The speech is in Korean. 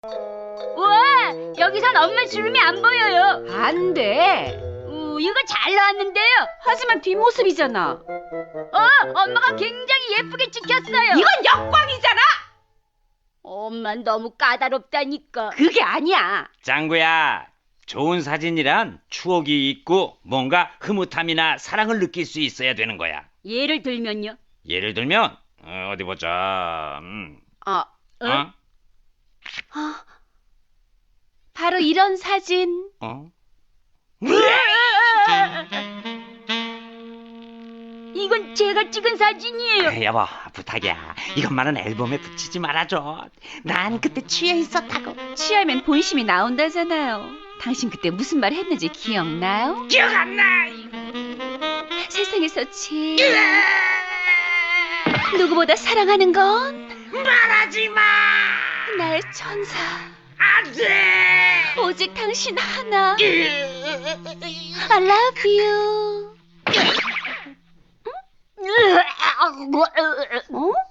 우와, 여기선 엄마 주름이 안 보여요. 안 돼. 이거 잘 나왔는데요. 하지만 뒷모습이잖아. 엄마가 굉장히 예쁘게 찍혔어요. 이건 역광이잖아. 엄마 너무 까다롭다니까. 그게 아니야. 짱구야, 좋은 사진이란 추억이 있고 뭔가 흐뭇함이나 사랑을 느낄 수 있어야 되는 거야. 예를 들면요. 예를 들면 어디 보자. 바로 이런 사진. 이건 제가 찍은 사진이에요. 여보, 부탁이야. 이것만은 앨범에 붙이지 말아줘. 난 그때 취해 있었다고. 취하면 본심이 나온다잖아요. 당신 그때 무슨 말 했는지 기억나요? 기억 안 나. 세상에서 제일 누구보다 사랑하는 건 말하지 마. 나의 천사. 안 돼. 오직 당신 하나. I love you. 어?